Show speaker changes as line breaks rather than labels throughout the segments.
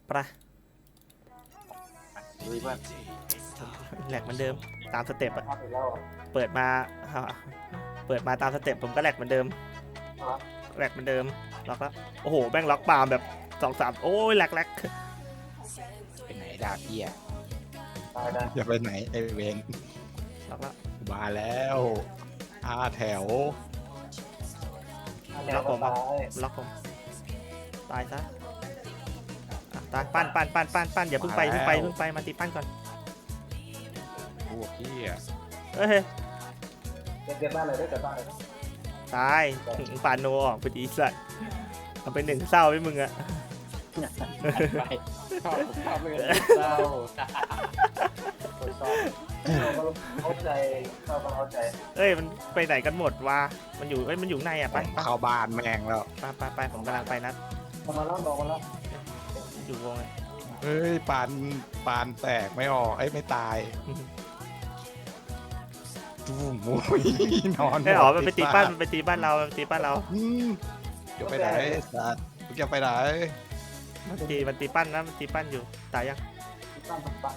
ประ
ลุยเพื่อน
แหลกเหมือนเดิมตามสเต็ปอะ
ทำอีกแล้ว
เปิดมาตามสเต็ปผมก็แหลกเหมือนเดิมแหลกเหมือนเดิมล็อกแล้วโอ้โหแม่งล็อกปาล์มแบบ2-3โอ้ยแหลก
ไปไหนดาบเฮีย
ตายได้
จะไปไหนไอเวน
ล็อกแล้ว
มาแล้วแถว
ล็อกผมตายซะตายปั้นอย่าเพิ่งไปมาตีปั้นก่อน
พวกเฮีย
เอ้ย
เก็บบ้านเลยได้เก็บบ้านเลย
ตายปานโนออกไปดีสัตว์เอาไป1เศร้าไปมึงอะ
ไปชอบเลยเศร้า
คนชอบเข้าใจชอบเข้าใจ
เอ้ยมันไปไหนกันหมดวะมันอยู่ข้างในอะไป
เข้าบ้านแม่งแล้ว
ไปผมกำลังไปนะ
มาแล้วบอกมาแล้ว
อยู่วงเลย
เฮ้ยปานแตกไม่ออกไม่ตายจู้มุ้ยนอน
ไม่หรอมันไปตีบ้านเราไปตีบ้านเรา
จะไปไหนสัตว์จะไปไหน
มันตีปั้นนะมันตีปั้นอยู่ตายยัง
ตั้งตั้ง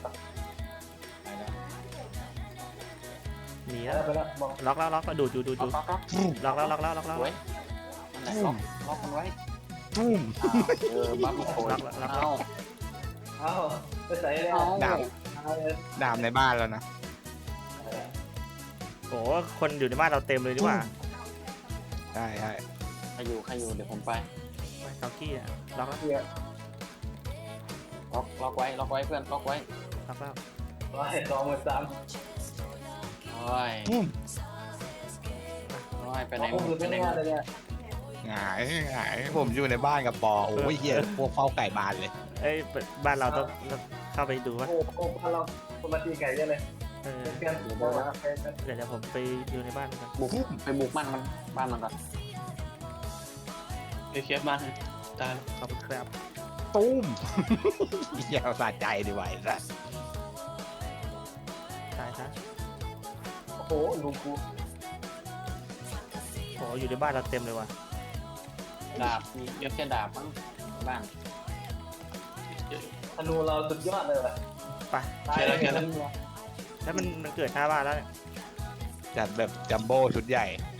หนี
ไป
แล้ว
แล้วบอก
ล็อกแล้วดูล็อกแล้ว
ไว้นั่นแหละล็อกมันไว้
ตุ้ม
บัฟอีกคนเอา
เอ้าไปใส่เลย
ดามในบ้านแล้วนะ
โอ้คนอยู่ในบ้านเราเต็มเลยดีกว่า
ใช่
ใครอยู่เดี๋ยวผมไป
เกากี้อะล็อกแล้ว
เกียร์
ล็อกไว้เพื่อนล็อกไว้
ล็อกแล้ว
ร้อย23,000
โอ้ย
ตุ้ม
ไปไหน
ผมอยู่ที่นี่เลยเนี่ย
หงายผมอยู่ในบ้านกับปอโอ้ยเฮียพวกเฝ้าไก่บานเลย
เอ้ยบ้านเราต้องเข้าไปดูว่า
โอ้โหพาเราคนมาตีไก่เยอะเลย
เออ
เพื่อนบอกว่าเป็น
เดี๋ยวผมไปดูในบ้านกัน
บุกบ้านมันก่อน
เดี๋ยวเคลียร์บ้านให้ตายแล้ว
ขอบคุณครับ
ตุ้มเฮียสะใจดีไหวละ
ตายซะ
โอ้โหลุงกู
โอ้อยู่ในบ้านเราเต็มเลยว่ะ
ดาบมีเยอะแค่ดาบมั้งบ้าน
ธนูเราสุดยอดเลยว่ะ
ไป
ตายเลย
แล้วมันเกิดหน้าบ้านแล้วเนี่ย
จัดแบบจัมโบ้ชุดใหญ่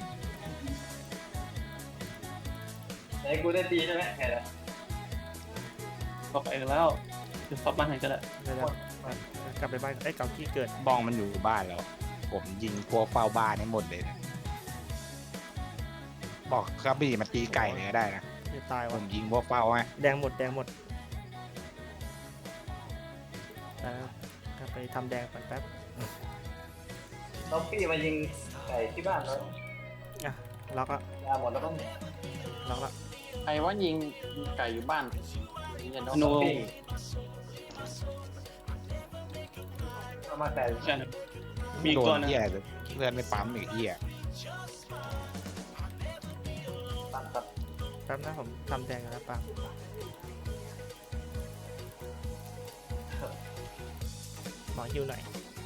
ไหนกูได้ตีใช่ไหมแค่ละ
ก็ไปกันแล้วเดี๋ยวเข้าบ้านให้ก็ได้
เดี๋ยวกลับไปบ้านเกากี้เกิด
บ้องมันอยู่บ้านแล้ว ผมยิงพวกเฝ้าบ้านให้หมดเลยนะบอกกระบี่มาตีไก่เลยก็ได้นะ
จะตาย
ผ
ว่ะ
มยิงพวกเฝ้าไง
แดงหมดก็ไปทำแดงก่อนแป๊บ
น้องพี่มายิงไก่ที่บ้านแล้ว
ล็อกแล้ว
ยาหมดแล้วก็
ล็อกแล้ว
ใครว่ายิงไก่อยู่บ้าน
ธนู
เอามาไก่
ใช่นะมีอี
โด
กตัวน นึง
เหี้ยเลื่อนไม่ปั๊มอีกเหี้ย
ตัดตัด
แป๊บนะผมทำแดงแล้วปังหมอฮิวหน่อย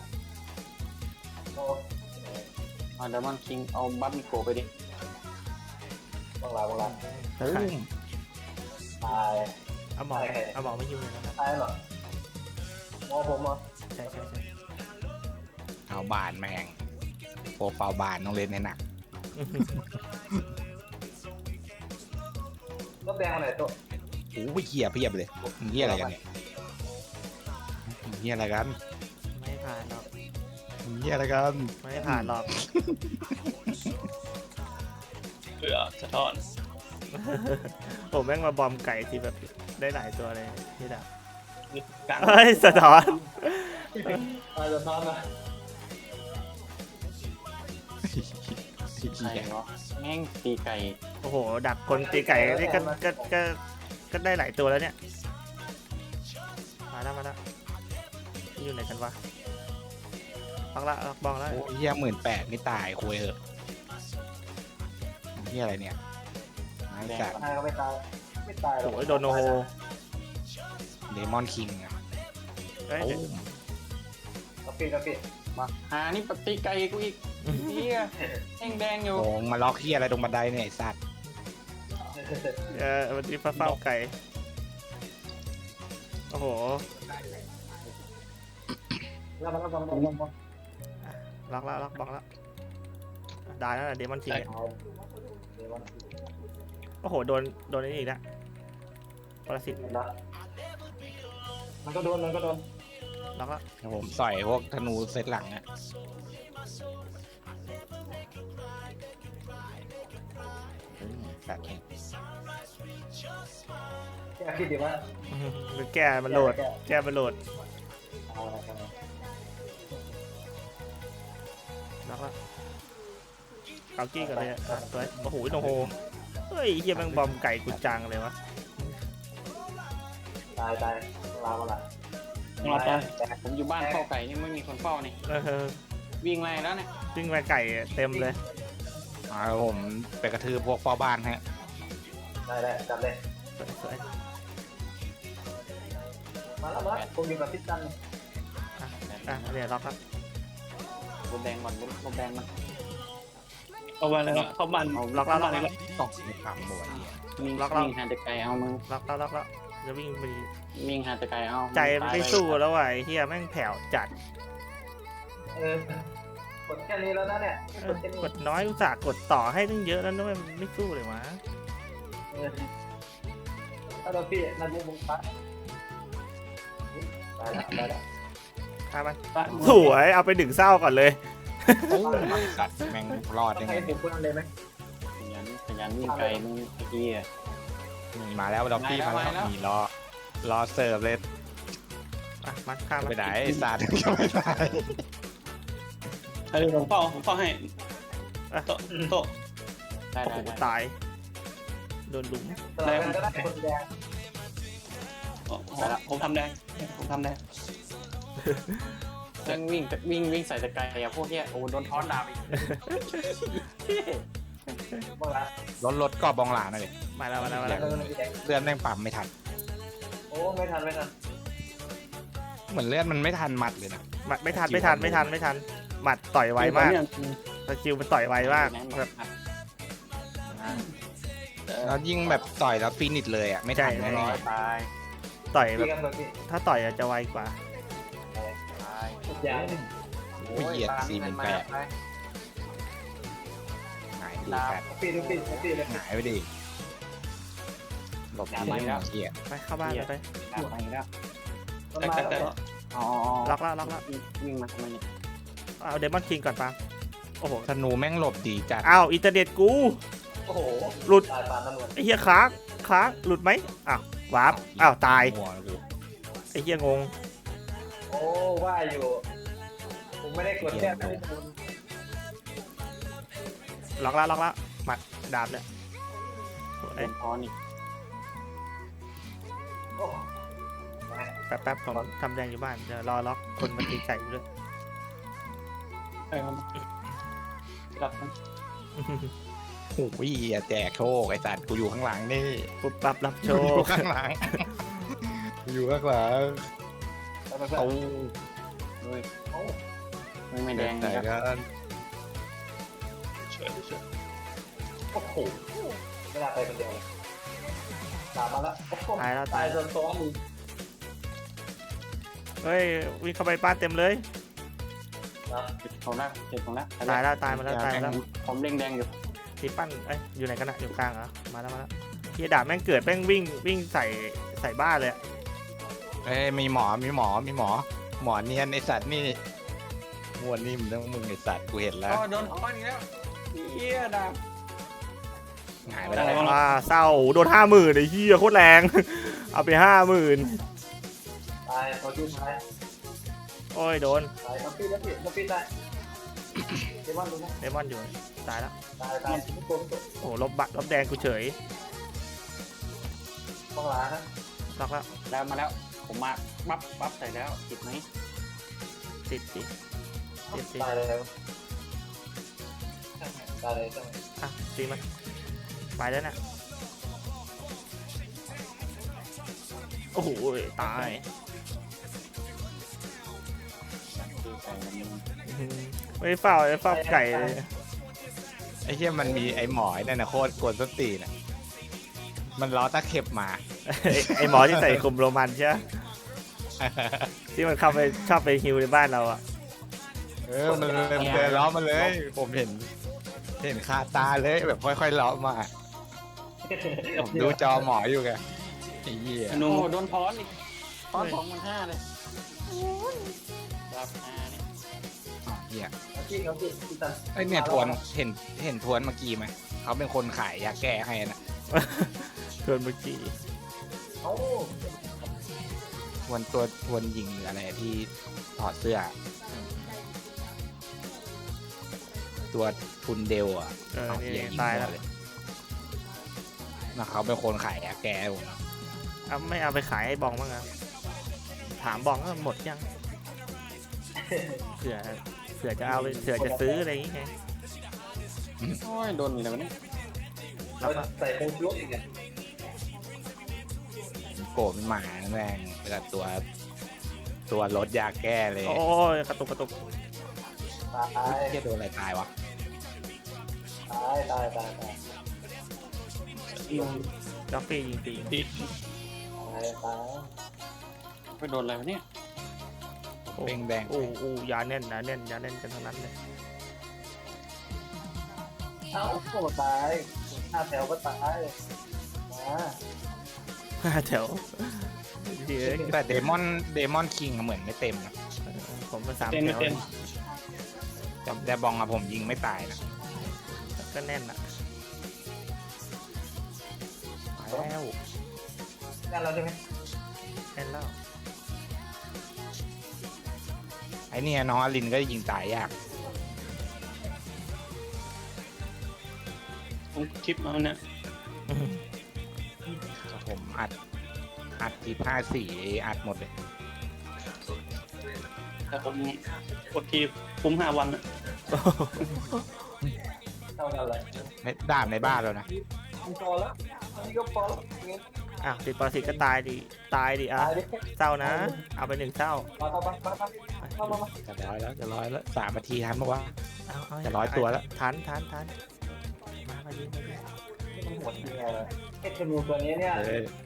โอ้
เดมอนคิงเอาบัฟมิโกไปดิ
บังลา
ตุ้ม
ตาย
เอาหมอไม่ฮิวเลยนะครับ
ตายเหรอมอผมเหรอ
ใช่
เอาบานแม่งพวกเฝ้าบ้านต้องเล่นให้หนัก
รถแดงอะไรตัว
โอ้ยเหี้ยเพียบเลยมึงเหี้ยอะไรกันเนี่ยมึงเหี้ยอะไรกัน
ไม่ผ่านหรอก
มึงเหี้ยอะไรกัน
ไม่ผ่านหรอก
เผื่อสะท้อน
ผมแม่งมาบอมไก่ที่แบบได้หลายตัวเลยนี่ดับ
กลาง
เฮ้ยสะท้อน
ตายจะท้อนนะ
ใครวะแม่งตีไก่
โอ้โหดักคนตีไก่นี่ก็ได้หลายตัวแล้วเนี่ยมาแล้วอยู่ไหนกันวะล็อกละล็อกบองแล้ว
โอ้ยเหี้ย18,000ไม่ตายคุยเหอะเหี้ยอะไรเนี่ยไอ้สัตว์
ตายก็ไม่ตายไม่ตายหรอก
โอ้ยโดนโนโฮ
เดมอนคิงอะ
เอ้ย
ตุ้ม
กาแฟ
มาหานี่ปตีไก่กูอีกเฮียแดงอยู่
โงมาล็อกเหี้ยอะไรตรงบันไดเนี่ยไอ้สัตว์
วันนี้เฝ้าไก่อ้โห
แล้วมันก็ต้อง
ล็อกแล้วล็อกบล็อกแล้วได้แล้วเดมอนคิงเนี่ย
เอาเดี๋ยวมัน
โอ้โหโดนไอ้นี่อีกแล้วปรสิต
นะมันก็โดน
ล็อกแล้ว
ผมใส่พวกธนูเซตหลังอะแบบ
แกคิดดีว่า
หรือแก้มันโหลดแก้มันโหลด
เอาอะไรกัน
ล็อกแล้วเอากี้กันเลยอ่ะตัวโอ้โหโนโฮเฮ้ยเฮียแม่งบอมไก่กูจังเลยวะ
ตายลามาละ
เราไปผมอยู่บ้านเฝ้าไก่นี่ไม่มีคนเฝ้านี่ วิ่งไล่แล้วเนี่ย
ซึ่งมาไก่เต็มเลย
ผมไปกระทืบพวกพ่อบ้านฮะ
ได้จับเลย
สวย
มาแล้วผมอยู่กับพิษจัน
อ่ะเนี่ยล็อกครับ
รถแดงก่อนรถแดงมัน
เอาบ้านเลยเนาะเข้าบ้าน
ล็อกแล้วล็อก
เข้า
แล้ว
บ้านเลย
ตกในความหมวยเนี่ย
วิ่ง
ล็อก
หาแต่ไก่เอามึง
ล็อกแล้วจะวิ่งไป
วิ่งหาแต่ไก่เอา
ใจมันไม่สู้แล้วว่ะไอ้เฮียแม่งแผ่วจัด
กดแค่นี้แล้วนะเนี่ย
กดน้อยอุตส่าห์กดต่อให้ตั้งเยอะแล้วนะมันไม่สู้เลยวะ
ถ้าเราพี่นั่นบุ้งปั๊บได้แล้ว
ตามมัน
บ้าน
สวยเอาไปดึงเศร้าก่อนเลย
โอ้ยสัตว์แม่งรอด
ต้อ
ได้
ง
ไง
ให้ผมพูดอะไรไหม
ขยันวิ่งไก่มึงไอ้เหี้ย
มีมาแล้วด็อกกี้มา
มาแล้
แล้ว วมีรอเสิร์ฟเลย
อ่ะมัดข้าม
จะไปไหนไอ้สัตว์จะไปไหน
เออผมเฝ้าให้โต๊ะ
ได้
โอ้โห
ได้
ตายโดนหลุม
สลับกันก็ได้คนแดง
ผมทำแดงผมทำแดง
วิ่งใส่แต่ไก่อะพวกเนี้ยโอ้โดนท้อนดาบอีก
บ้างละ
รถกรอบบองหลาหน่อยดิ
มาแล้ว
เลื่อนแม่งปั๊มไม่ทัน
โอ้ไม่ทัน
เหมือนเลื่อนมันไม่ทันมัดเลยนะ
ไม่ทันหมัดต่อยไวมากสกิลมันต่อยไวมากแบบ
แล้วยิ่งแบบต่อยแล้วฟินิชเลยอ่ะไม่ทัน
ใช่
แน่
ตาย
ต่อยแบ
พี่
บ
กันตัวพี่
ถ้าต่อยจะไวกว่า
ตาย
อย่าง
ๆผู้เหยียด48,000หายดีแฟด
พี่ดูพี่เลย
หายไปดิหลบดีแล้วเหี้ย
ไปเข้าบ้านไป
ดาบไปแล้ว
มันมาแล้ว
อ๋อ
ล็อกแล้ว
วิ่งมาทำไมเนี่ย
เอาเดมอนคิงก่อนปังโอ้โห
ธนูแม่งหลบดีจัด
อ้าวอินเทอร์เน็ตกู
โอ้โห
หลุด
ตายปานตำรวจ
ไอ้เฮียค้างหลุดไหมอ้าววาร์ปอ้าวตาย
หัวกู
ไอ้เฮียงง
โอ้ว่าอยู่ผมไม่ได้กดแค่ไม่ได้โดน
ล็อกแล้วหมัดดาบเนี่ยสวย
โดนท้อนอีก
โอ้
แป๊บผมทำแดงอยู่บ้านเดี๋ยวรอล็อกคนมาตีไก่อยู่ด้วย
เออรับ
โอ้ยอย่าแจกโชคไอ้สัตว์กูอยู่ข้างหลังนี่
ปุ๊บปั๊บรับโช
กูอยู่
ค
ข้างหลังกูอยู่ข้างหลัง
ไป
โอ้
ไม่แดง
แต่
นะ
ก็
โอ้โหไม่น่าไปคนเดียวเลยตามมาแล้วโอ้โห
ตายแล้ว
ตายโดนซ้อมอีก
เฮ้ยวิ่งเข้าไปบ้านเต็มเลย
นะ
เจ็บของแล้ว
ตายมาแล้ว
ผมเด้งแดงอยู่
ตีปั้นเอ้ยอยู่ไหนกันอะอยู่กลางเหรอมาแล้วเฮียดาบแม่งเกิดแม่งวิ่งใส่บ้านเลยอะ
เอ้ยมีหมอเนียนไอ้สัตว์นี่มวนนี่มันต้องมึงไอ้สัตว์กูเห็นแล้ว
โดนท้อนอีกแล้วเหี้ยดาบ
หายไปแล้ว
เศร้าโดน50,000ไอ้เฮียโคตรแรง เอาไป50,000
ตายเขาชื่อท้าย
โอ้ยโดน
ตายเขาพี่แล้วพี่ได้เดมอนดูนะ
เดมอนอยู่ตายแล้ว
ตายทุกคน
โอ้โหลบแดงกูเฉย
ต้องล้านะ
ล็อกแล้ว
แล้วมาแล้วผมมาปั๊บใส่แล้วติดไหม
ติด
ตายเลยตายเลยจัง
อ่ะตีมันไปแล้วน่ะโอ้โหตาย ไม่เฝ้าไก่เลย
ไอ้เหี้ยมันมีไอ้หมอนั่นนะโคตรกวนส้นตีนอ่ะมันล้อตะเข็บมา
ไอหมอที่ใส่คุมโรมันใช่ไหมที่มันเข้าไปชอบไปฮิวในบ้านเราอ่ะ
มันเดินล้อมาเลย ผมเห็นคาตาเลยแบบค่อยๆล้อมาผมดูจอหมออยู่ไงไอ้เหี้ย
หนู
โอ้โดนทอนอีกทอน2,500เลยรับเนี่ย
อ๋อเหี้ย
เขาที่ตัน
ไอ้เนี่ยทวนเห็นทวนเมื่อกี้ไหมเขาเป็นคนขายยาแก้ให้นะ
ชวนเมื่อกี้
เขา
ทวนยิงหรืออะไรที่ถอดเสื้อ ตัวทุนเดลอ่ะ
นี่
เหี้
ตายแล้ว
เลยนะเขาเป็นคนขายยาแก้ให้ผม
เอาไม่เอาไปขายให้บองบ้างอ่ะถามบองว่าหมดยังเผื่อจะเอาไปเผื่อจะซื้ออะไรอย่างเงี้ย
โอ้ยโดนอะไรวะเนี่ย
เขาใส่โค้ดลุกอีกเนี่ย
โกรธมันหมาแม่งแต่ตัวรถยาแก้เลย
โอ้ยกระตุก
ตาย
เหี้ยโดนอะไรตายวะ
ตาย
จ็อกฟี่ยิงตี
ดี
ตาย
ไปโดนอะไรวะเนี่ย
เป่งแดง
โอ้ยาแน่นนะยาแน่นกันทั้งนั้นเลย
เอ้าโอ้ตาย5 แถวก็ตายมา
แถวเดี๋ยว
แต่เดมอนคิงเหมือนไม่เต็มนะ
ผมมา3
เต็ม
แถ
ไม่
ว
เต็ม
แต่แดบองอะผมยิงไม่ตายนะ
ก็แน่นอ่ะ
แล้ว
งั้นเราใช่ไหม
แน่นแล้ว
ไอ้เนี่ยน้องอลินก็ยิงตายยาก
ผมคลิปเอาเนี่ย
ผมอัดที54อัดหมดเลย
แต่ผมกดทีคุ้ม5 วันอะ
เท่ากันเลย
ไม่ดาบในบ้านแล้วนะ
พอแล้วนี่ก็พอแล้ว
อ้าวติดปรสิตก็ตายดิอ่ะ
ตายดิ
เศร้านะ เอาไป1เศร้า
มา
จะร้อยแล้ว3 นาทีทันปะวะ
เอา
จะ100 ตัวแล้ว
ทันมาดิ
มันหมดยังไงไอ้ธนูตัวนี้เนี่ย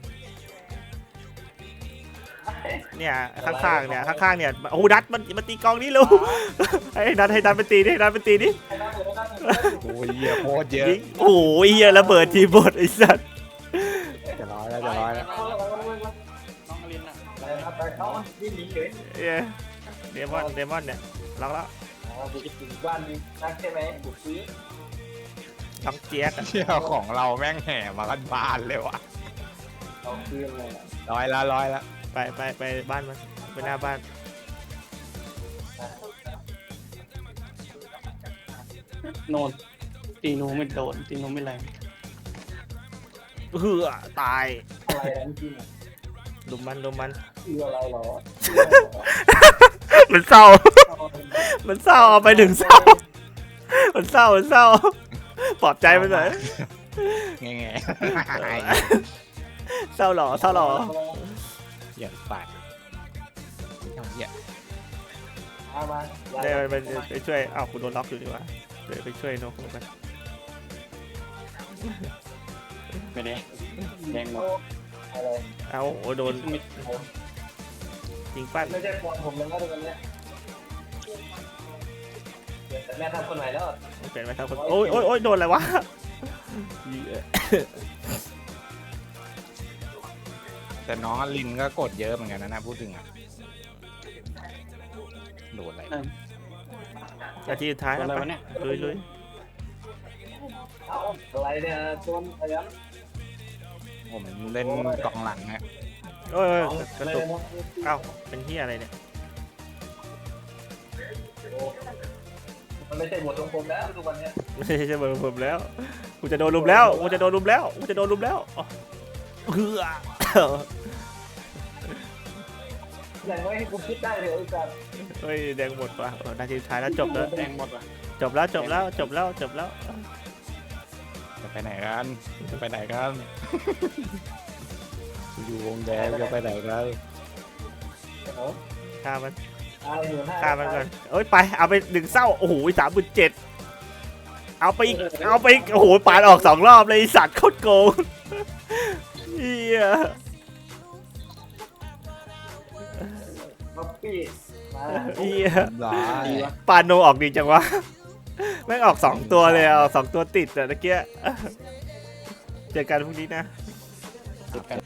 เนี่ยข้างๆเนี่ยโอ้โหนัดมันตีกองนี่ลูกให้นัดไปตีดินัดไปตีดิ
โอ้ยเหี้ยโคตรเยอะ
ยิงโอ้โหเหี้ยระเบิดทีบดไอ้สัส
จะร้อยแล้ว
น้องอลินอ่ะ
ไปเขาวิ่งหนีเฉย
เดมอนเนี่ยล็อกแล้ว
บุกถึงบ้านยิงนักใช่ไหมบุกซื้อ
ล็อกเจี๊ยก
เชี่ยของเราแม่งแห่มากันบานเลยวะ
เอาคืนเลย
ร้อยแล้ว
ไปบ้านมันไปหน้าบ้าน
โนนตีหนูไม่โดนตีหนูไม่แรง
เหือตาย
อะไรนั้นจริง
ลุมมัน
คืออะไรหรอ
มันเศร้าเอาไป1เศร้ามันเศร้าปลอบใจมันหน่อย
แง่
เศร้าหรอ
อย่าปาดเหี้ย
มา
เดี๋ยวไปช่วยอ้าวกูโดนล็อกอยู่ดีกว่าเดี๋ยวไปช่วยนกกัน
ไม่ได้แดงหมด
อะไร
เอ้าโอ้โดนยิงปั้น
ไม่ใช่ฟอนผมแล้วตรงนี้แต่แม่ทำคนไหนแล้ว
เปลี่ยนไปทั้งคนโอ้ยโดนอะไรวะ
แต่น้องอลินก็กดเยอะเหมือนกันนะพูดถึงอะโดนอะไร
นาทีสุดท้าย
โดน
แล้ว
อะไรวะเนี่ย
ลุย
เอาอะไรเนี่ยโดนอะไรนะ
ผมเล่นกองหลังฮะ
โอ้ยกระตุกเอ้าเป็นที่อะไรเนี่ย
มันไม่ใช่บทของผมแล้วทุกวันนี้
ไม่ใช่เบอร์ผมแล้วกูจะโดนลุมแล้วเหือ
อย่างน้อยให้กูคิดได้เลยไอ้สัตว์
เฮ้ยแดงหมดว่ะนาทีสุดท้ายแล้วจบแล้ว
แดงหมดว่ะ
จบแล้ว
จะไปไหนกันอยู่วงแดงจะไปไหนกัน
ฆ่ามัน
15,000
ฆ่ามันก่อนเอ้ยไปเอาไป1เศร้าโอ้โห37,000เอาไปอีกโอ้โหปาดออก2รอบเลยไอ้สัตว์โคตรโกงเฮีย
บ๊อบบี้มา
เหี้ย
ร้าย
ดีวะ
ปาโนออกดีจังวะแม่งออก2ตัวเลยเอา2ตัวติดแต่ตะเกียเจอกันพรุ่งนี้นะ
ติดกัน